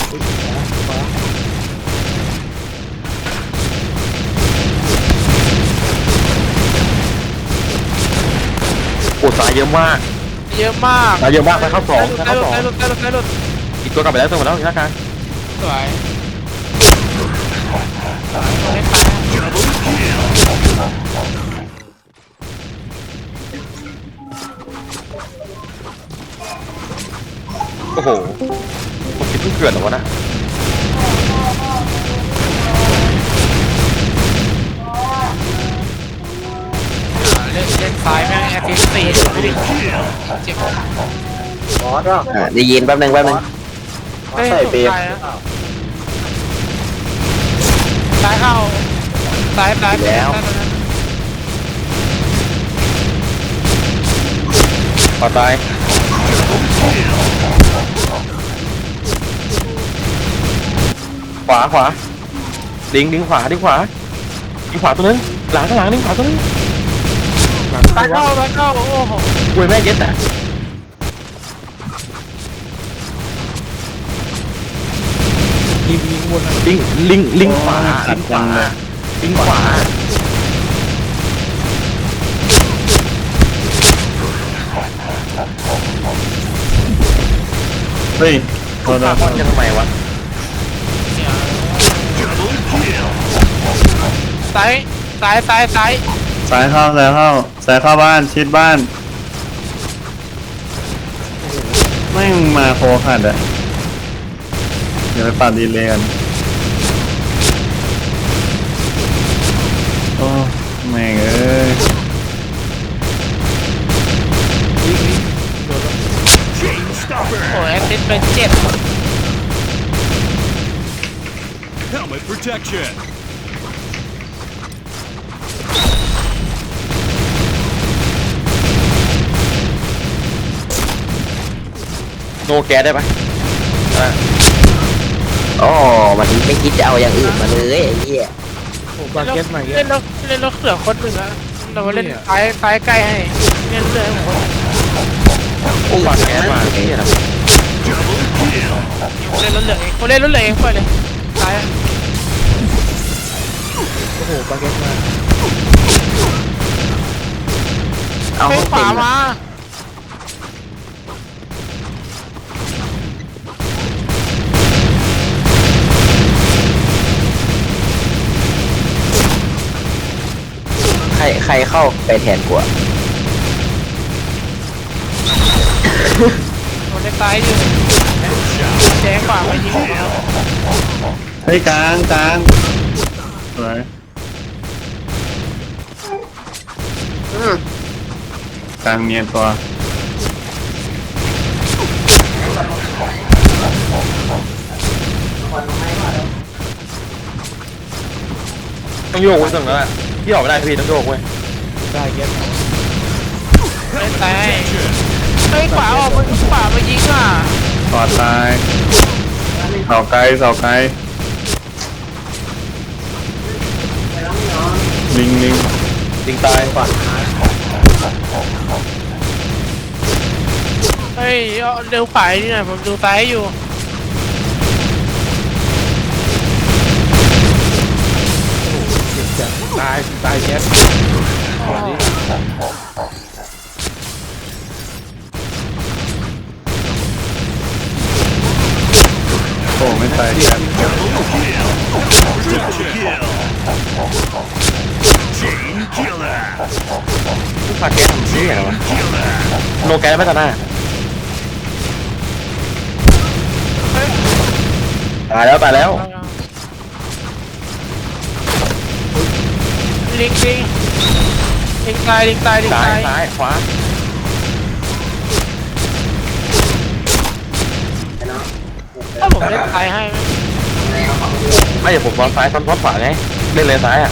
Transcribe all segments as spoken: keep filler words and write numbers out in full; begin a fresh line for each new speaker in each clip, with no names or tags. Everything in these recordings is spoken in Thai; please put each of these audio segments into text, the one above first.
โอ้ตายเยอะมาก
เยอะมาก
ตายเยอะมากไปเข้าสองไปเข้าสอง
ได้หลุดได้หลุดได้หลุด
อีกตัวกลับไปแล้วตัวหมดแล้วอีกหน้ากลาง
สวยสวยไม่ตาย
โอ้โหผมคิดเพิ่งเกิดหรอวะนะ
เล่นเล่นซ้ายแม่งแอคทีฟตีไม่ได้เจ็บบอสอ่ะ
ได้ยินแป๊บนึงแป๊บนึง
ใส่เปียซ้ายเข้าซ้ายซ้ายแล้ว
พอตายขวาขวาดิงดิงขวาดิงขวาดิงขวาตัวนึงหลังข้างหลังดิงขวาตัวนึง
ซ้ายเข้าซ้ายเข้าโอ้โห
อุ้ยแม่เย็ดอ่ะลิงลิงวนลิงลิงลิงขวาลิงขวาลิงขวา
เฮ้ยโทษนะ
จะทำไมวะ
ซ้ายซ้ายซ้ายซ้าย
สายเข้าสายเข้าสายเข้าบ้านชิดบ้านไม่มาโคขัดอ่ะเดี๋ยวไปปาดดีเลยกันโอ้แม่งเอ้ย
โอ้ยแอคทีฟเป็นเจ็ด
Helmet protection.
โนแกได้ปะ
อ๋อมันไม่คิดจะเอาอย่างอื่นมาเลยไอ้เหี้ย
บาเก็ตใหม่เล่นแล้วเล่นแล้วเสือคนหนึ่งอะเราเล่นซ้ายซ้ายใกล้ให้เล่นเลยผม
โอ้บาแกมาที่ไหน
เล่นรถเหลืองเองเล่นรถเหลืองเองไปเลยซ้ายโอ้โหบาเก็ตมาเอาขวามา
ใครใครเข้าไปแทนกูอะ
มันได้ตายอยู่แจ้งขวาไปยิง
เฮ้ยกลางกลางสวยกลางเมียนตัว
ต้องโยกไว้ตรงนั้นแหละที่ออกไม่ได้พี่ต้องโยกไว้
ได้เก็บไม่ตายไอ้ขวาออกมันขวาไปยิงอ่ะ
ปอดตายเสาไกลเสาไกลลิงลิง
ลิงตายฝั่ง
เฮ้ยเร็วฝ่ายนี่นะผมดูซ้ายอยู่ตายตายแคส
โอ้ไม่ตายแคส
ผู้พาแกทำซี่เหรอวะโนแกไม่ตัดหน้าตายแล้วตายแล้ว
ลิงลิงลิงตายลิงตายลิงตาย
ซ้ายขวา
ถ้าผมเล่นซ้ายให้
ไม่เดี๋ยวผมซ้อนซ้ายซ้อนซ้อนขวาไงเล่นเลยซ้ายอ่ะ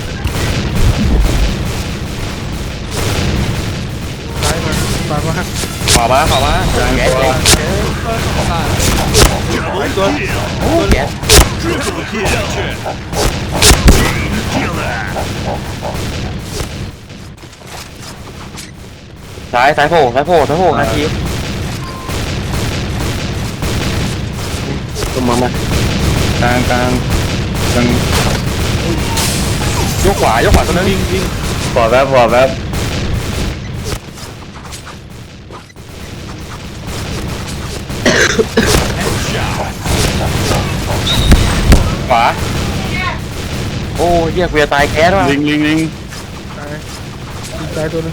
ซ้ายมาซ้ายมา
ขวามาขวามาแกตัวตัวโอ้แกซ้ายซ้ายโผล่ซ้ายโผล่ซ้ายโผล่นาที
ตุ้มมามาก
ลางกลางกลาง
ยกขวายกขวาตัวนึง
ปอดแวบปอดแวบ
ขวาโอ้เหี้ยเวียตายแก๊สว่ะ
ลิงลิงลิง
ตายตัวนึง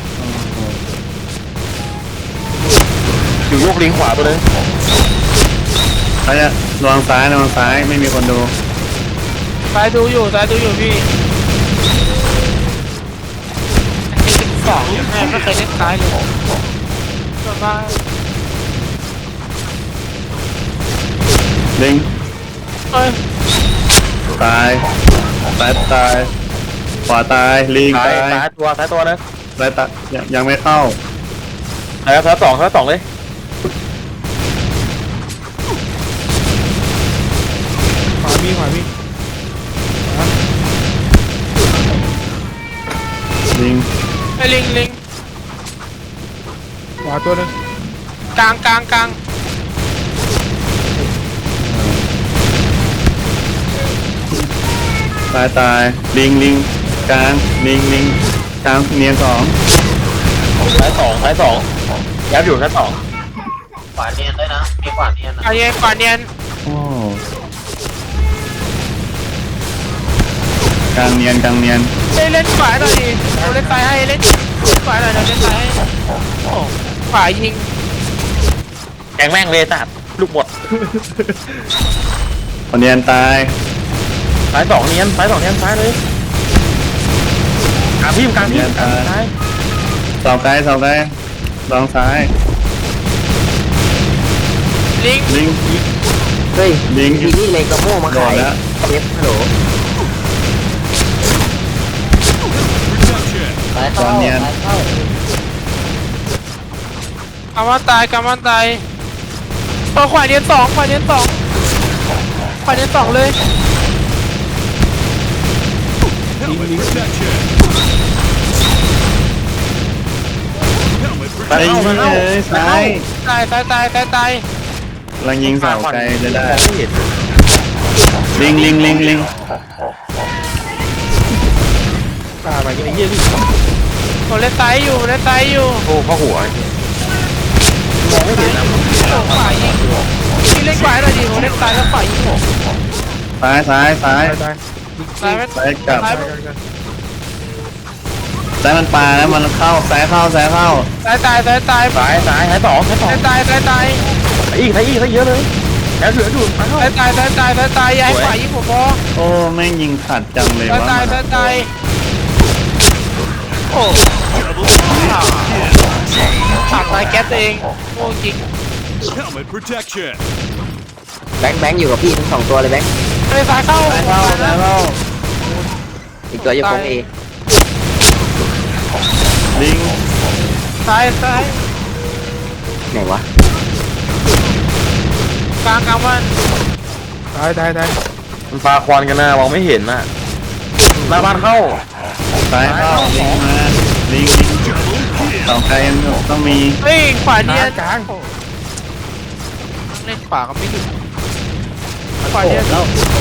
อยู่ยกลิงขวาตัวนึง
ใครอะระวังซ้ายระวังซ้ายไม่มีคนดู
ตายดูอยู่ตายดูอยู่พี่สองแม่ไม่เคยเล่นตายเลยส่วนมาก
ลิง
เอ้ย
ตายซ้ายตายขวาตายลิง
ซ้าย
ตาย
ซ้ายตัวซ้ายตัวนะ
ซ้ายตายยังยังไม่เข้า
ซ้ายซ้ายสองซ้ายสองเลย
ขวามีขวามี
ลิง
ไอ้ลิงลิงขวาตัวนึงกลางกลางกลาง
ตายตายลิงลิงกลางลิงลิงกลางเนียนสอง
ซ้ายสองซ้ายสองยับอยู่ซ้ายสอง
ขวาเนียนด้วยนะมีขวาเนียนนะ
ไอ้เย็นขวาเนียน
โอ้กลางเนียนกลางเนียน
เล่นเล่นขวาหน่อยดิเราเล่นซ้ายให้เล่นขวาหน่อยเราเล่นซ้ายให้โอ้ขวายิง
แกงแม่งเลยตัดลูกหมด
คนเนียนตาย
ซ้ายสองเนียนซ้ายสองเนียนซ้ายเลยกลางพี่กลางพี่กลางซ้าย
เสาไกลเสาไกลลองซ้าย
ลิง
ลิง
เฮ้ย
ลิง
ทีนี่เลยกระโม่มา
โด
ขาน ย
แล้ว
เอฟฮัลโหล
Protection.
สายเข้าสายเข้า
กำมันตายกำมันตายเออขวาเนียนสองขวาเนียนสองขวาเนียนสองเลย
Helmet protection. Helmet
ไอ้
protection.
เหี้ยเอ้ยซ้าย
ตายตายตายตายตาย
กำลังยิงเสาไกลจะได้
ไม่เห็น
ลิงลิงลิงลิง
ตาไปไอ้เหี้ยดิ
ผมเล่นซ้ายอยู่เล่นซ้ายอยู่
โอ้เข้าหัวมองไม่เห็นนะ
โอ้ขวายิงพี่เล่นขวาหน่อยดิผมเล่นซ้ายแล้วขวายิงผม
ซ้ายซ้ายซ้าย
ซ้ายไม่
ซ้ายกลับ
ซ้าย
ซ้ายมันปลาแล้วมันเข้าซ้ายเข้าซ้ายเข้า
ซ้ายตายซ้ายตาย
ซ้ายซ้ายซ้ายสองซ้ายสอง
ซ้ายตายซ้ายตาย
ซ้ายอีกซ้ายอีกซ้ายเยอะเลยแล้วเหลืออยู่ซ้ายเข้า
ซ้ายตายซ้ายตายซ้ายตายอย่าให้ขวายิงผมพอ
โอ้แม่งยิงขัดจังเลย
ซ้ายว
ะ
ตายซ้ายตายโอ้ขาดตายแก๊สตัวเองโอ้จริง
Helmet protection.
แบงค์แบงค์อยู่กับพี่ทั้งสองตัวเลยแบงค์
ไปซ้ายเข้า
ซ้ายเข้าซ้ายเข้า
อีกตัวอยู่คงเอ
ลิง
ซ้ายซ้าย
ไหนวะ
กลางกลางมัน
ตายตายตายมันปลาควันกันนะมองไม่เห็นน่ะหน้าบ้านเข้า
ซ้ายเข้าลิงมาลิงลิงเสาไกลยังต้องมี
เฮ้ยขวาเนียนกลางเล่นขวาก็ไม่ถึงขวาเนียน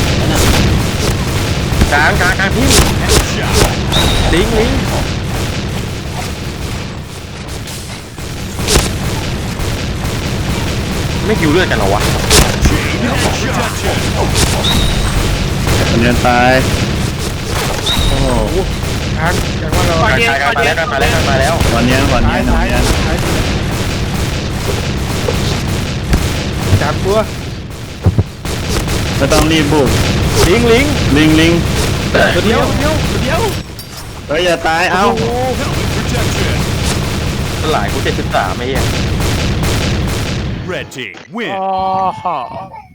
กลางกลางกลางพี่ลิงลิงไม่คิวเลือดกันเหรอวะ
Helmet protection.
คนเนียนตายโอ้โห
ขวาเนียน
กลาง
ขวาก
ลาง
เนียน
มาแล้วกลางมาแล้วกลางมาแล้ว
วันเนียนวันเนียนวันเนียน
สามตัว
ไม่ต้องรีบบุก
ลิงลิง
ลิงลิง
ตัวเดียวตัวเดียวตัวเดียว
เฮ้ยอย่าตายเอ้า
Helmet protection.
หลายกูเจ็ดสิบสามไอ้เหี้ย
Red team
อ๋
win.
อ